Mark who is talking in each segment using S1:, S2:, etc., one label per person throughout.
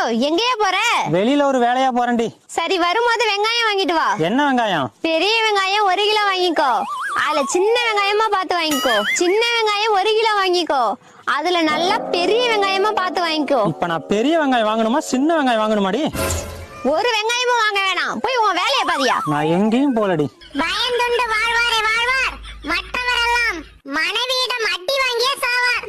S1: எங்கேயா போற?
S2: வெளியில ஒரு வேலையா போறேன்டி.
S1: சரி, வரும்போது வெங்காயம் வாங்கிட்டு வா.
S2: என்ன வெங்காயம்?
S1: பெரிய வெங்காயம் 1 கிலோ வாங்கிக்கோ. அதுல சின்ன வெங்காயமா பார்த்து வாங்கிக்கோ. சின்ன வெங்காயம் 1 கிலோ வாங்கிக்கோ. அதுல நல்லா பெரிய வெங்காயமா பார்த்து வாங்கிக்கோ.
S2: இப்ப நான் பெரிய வெங்காயம் வாங்கணுமா சின்ன வெங்காயம் வாங்கணுமாடி?
S1: ஒரு வெங்காயமும் வாங்க வேணாம், போய் உன் வேலையை பாதியா.
S2: நான் எங்கேயும் போலடி.
S3: பயந்துண்டு வாழ்வாரே வாழ்வார், மற்றவரெல்லாம் மனைவியிடம் அடி வாங்கிய சாவார்.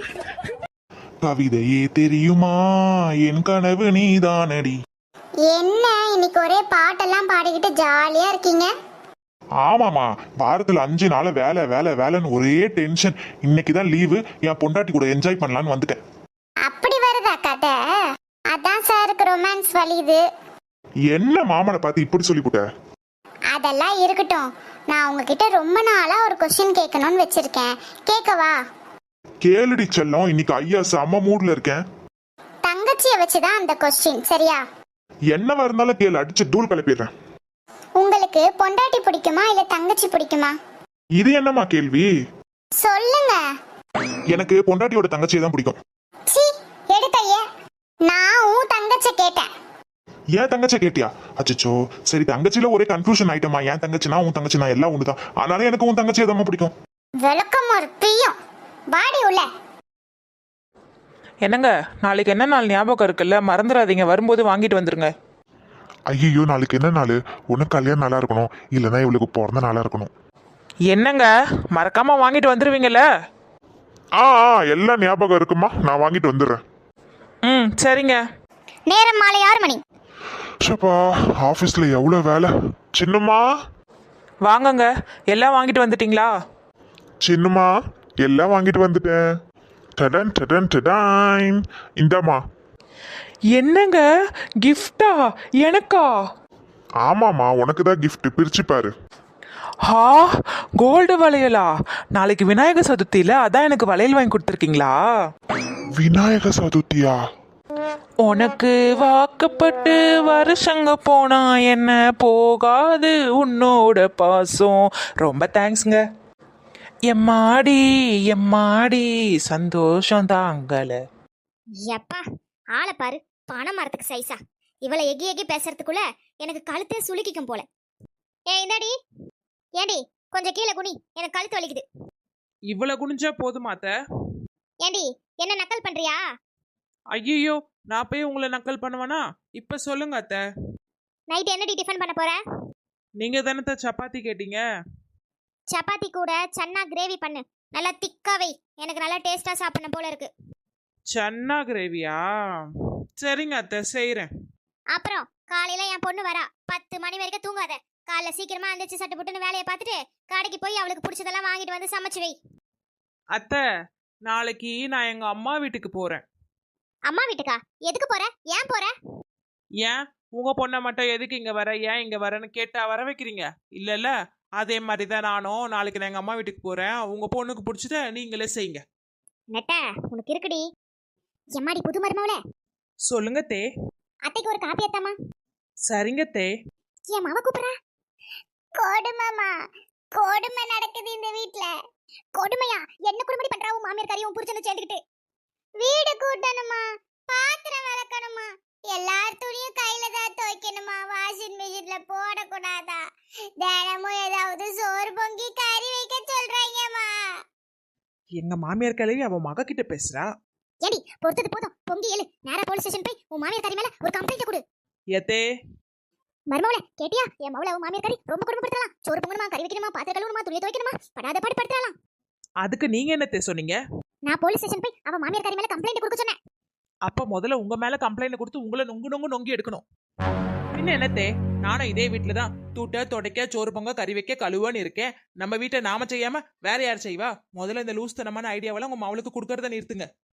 S4: கவிதையே தெரியுமா என் கனவு நீதானடி.
S3: என்ன இன்னைக்கு ஒரே பாட்டெல்லாம் பாடிக்கிட்டு ஜாலியா இருக்கீங்க?
S4: ஆமாமா, வாரத்துல 5 நாள் வேலை வேலை வேலைன்னு ஒரே டென்ஷன். இன்னைக்கு தான் லீவு, என் பொண்டாட்டி கூட என்ஜாய் பண்ணலான்னு வந்துட்டேன்.
S3: அப்படி வருதா கதை? அதான் சாருக்கு ரொமான்ஸ் வலியுது.
S4: என்ன மாமனை பார்த்து இப்படி சொல்லிவிட்ட?
S3: அதெல்லாம் இருக்கட்டும், நான் உங்ககிட்ட ரொம்ப நாளா ஒரு கொஸ்டின் கேட்கணும்னு வச்சிருக்கேன். கேட்கவா?
S4: கேளுடி செல்லம், இன்னைக்கு ஐயா செம்ம மூட்ல இருக்கேன்.
S3: தங்கச்சியை வச்சுதான் அந்த கொஸ்டின், சரியா?
S4: என்னவா இருந்தாலும் கேளு, அடிச்சு தூள் கிளப்பிடுறேன்.
S3: உங்களுக்கு பொண்டாட்டி பிடிக்குமா இல்ல தங்கச்சி பிடிக்குமா?
S4: இது என்னம்மா கேள்வி?
S3: சொல்லுங்க.
S4: எனக்கு பொண்டாட்டியோட தங்கச்சியை தான் பிடிக்கும்.
S3: சீ, எடுக்கையே. நான் உன் தங்கச்சி கேட்டேன்.
S4: ஏன் தங்கச்சி கேட்டியா? அச்சோ, சரி, தங்கச்சியில ஒரே கன்ஃபியூஷன் ஆயிட்டமா. என் தங்கச்சினா உன் தங்கச்சினா எல்லாம் ஒண்ணுதான். ஆனாலும் எனக்கு உன் தங்கச்சியை தான் பிடிக்கும்.
S3: விளக்கம் ஒரு பிரியம். பாடி உள்ள.
S5: என்னங்க, நாளைக்கு என்ன நாள் ஞாபகம் இருக்குல்ல, மறந்துடாதீங்க. வரும்போது வாங்கிட்டு வந்துருங்க.
S4: ஐயோ, நாளைக்கு என்ன நாள்? உனக்கு கல்யாணம் நல்லா இருக்கணும், இல்லைன்னா இவளுக்கு பிறந்த நாளா இருக்கணும்.
S5: என்னங்க, மறக்காம வாங்கிட்டு வந்துருவீங்கல்ல?
S4: எல்லாம் ஞாபகம் இருக்குமா, நான் வாங்கிட்டு வந்துடுறேன்.
S5: சரிங்க.
S3: நேரம் மாலை 6 மணி.
S4: ஷப்பா, ஆபீஸ்ல எவ்வளவு வேலை. சின்னம்மா,
S5: வாங்கங்க. எல்லாம் வாங்கிட்டு வந்துட்டீங்களா?
S4: சின்னம்மா, எல்லாம் வாங்கிட்டு வந்துட்டேன். டடன் டடன் டடான். இந்தாம்மா.
S5: என்னங்க, கிஃப்டா? எனக்கா?
S4: ஆமாம்மா, உனக்கு தான் கிஃப்ட், பிரிச்சு பாரு.
S5: ஹா, கோல்டு வளையலா? நாளைக்கு விநாயகர் சதுர்த்தியில அதான் எனக்கு வளையல் வாங்கி கொடுத்துருக்கீங்களா?
S4: விநாயக சதுர்த்தியா?
S5: உனக்கு வாக்கப்பட்டு வருஷங்க போனா என்ன போகாது உன்னோட பாசம். ரொம்ப தேங்க்ஸ்ங்க. எம்மாடி எம்மாடி சந்தோஷம் தாங்கல.
S3: எப்பா, ஆளை பாரு, பனை மரத்துக்கு சைஸா. இவளை எகி எகி பேசுறதுக்குள்ள எனக்கு கழுத்தே சுளுக்கிக்கும் போல. இந்தாடி. ஏண்டி, கொஞ்சம் கீழே குனி, எனக்கு கழுத்து வலிக்குது.
S5: இவ்வளவு குனிஞ்சா போதுமாத்த?
S3: ஏண்டி, என்ன நக்கல் பண்றியா?
S5: ஐயோ, நான் போய் உங்களை நக்கல் பண்ணுவேனா? இப்ப சொல்லுங்க அத்தை.
S3: நைட் என்னடி டிஃபன் பண்ண போற?
S5: நீங்க தானே சப்பாத்தி கேட்டீங்க.
S3: சப்பாத்தி கூட சன்னா கிரேவி பண்ணு, நல்லா திக்கா வை. எனக்கு நல்லா டேஸ்டா சாப்பிடணும் போல இருக்கு.
S5: சன்னா கிரேவியா? சரிங்க அத்தை, செய்யறேன்.
S3: அப்புறம் காலையில என் பொண்ணு வரா, 10 மணி வரைக்கும் தூங்காத. காலைல சீக்கிரமா எந்திரிச்சு சட்டு புட்டுன்னு வேலையை பார்த்துட்டு கடைக்கு போய் அவளுக்கு பிடிச்சதெல்லாம் வாங்கிட்டு வந்து சமைச்சு வை.
S5: அத்தை, நாளைக்கு நான் எங்க அம்மா வீட்டுக்கு போறேன்.
S3: அம்மா வீட்டுக்கா? எதுக்கு போற? ஏன் போற?
S5: ஏன் உங்க பொண்ணை மட்டும் எதுக்கு இங்க வர, ஏன் இங்க வரேன்னு கேட்டா வர வைக்கிறீங்க? இல்லல்ல, அதே மாதிரி தான் நானும் நாளைக்கு நான் எங்க அம்மா வீட்டுக்கு போறேன். உங்க பொண்ணுக்கு பிடிச்சத நீங்களே செய்யுங்க.
S3: நெட்ட, உனக்கு இருக்குடி. எம்மாடி புது மருமவளே.
S5: சொல்லுங்க தே.
S3: அத்தைக்கு ஒரு காப்பி ஏத்தாமா?
S5: சரிங்க தே.
S3: என் மாவ கூப்பிடுறா. கொடுமைமா, கொடுமை நடக்குது இந்த வீட்ல. கொடுமையா? என்ன கொடுமை பண்றா உன் மாமியார் காரியம் புரிச்சன சேர்ந்துக்கிட்டு? வீடு கூட்டணுமா, பாத்திரம் விளக்கணுமா, எல்லார் துணியும் கையில தான் துவைக்கணுமா, வாஷிங் மிஷின்ல போடக்கூடாதா? தினமும் ஏதாவது சோறு பொங்கி கறி வைக்க சொல்றாங்கம்மா.
S5: எங்க மாமியார் கிளவி அவன் மக கிட்ட பேசுறா.
S3: ஏடி, பொறுத்தது போதும், பொங்கி எழு. நேரா போலீஸ் ஸ்டேஷன் போய் உன் மாமியார் காரி மேல ஒரு கம்ப்ளைண்ட் கொடு.
S5: ஏத்தே,
S3: மருமவளே, கேட்டியா? என் மவள உன் மாமியார் காரி ரொம்ப கொடுமைப்படுத்தலாம். சோறு பொங்கணுமா, கறி வைக்கணுமா, பாத்திரம் கழுவணுமா, துணி துவைக்கணுமா, படாத பாடு படுத்தலாம்.
S5: அதுக்கு நீங்க என்னத்தே சொன்னீங்க?
S3: நான் போலீஸ் ஸ்டேஷன் போய் அவ மாமியார் காரி மேல கம்ப்ளைண்ட் கொடுக்க சொன்னேன்.
S5: அப்ப முதல்ல உங்க மேல கம்ப்ளைண்ட் கொடுத்து உங்களை நொங்கு நொங்கு நொங்கி எடுக்கணும். பின்ன என்னத்தே, நானும் இதே வீட்டுல தான் தூட்ட துடைக்க சோறு பொங்க கறி வைக்க கழுவான்னு இருக்கேன். நம்ம வீட்டை நாம செய்யாம வேற யார் செய்வா? முதல்ல இந்த லூஸ்தனமான ஐடியாவெல்லாம் உங்க அவளுக்கு கொடுக்கறத நிறுத்துங்க.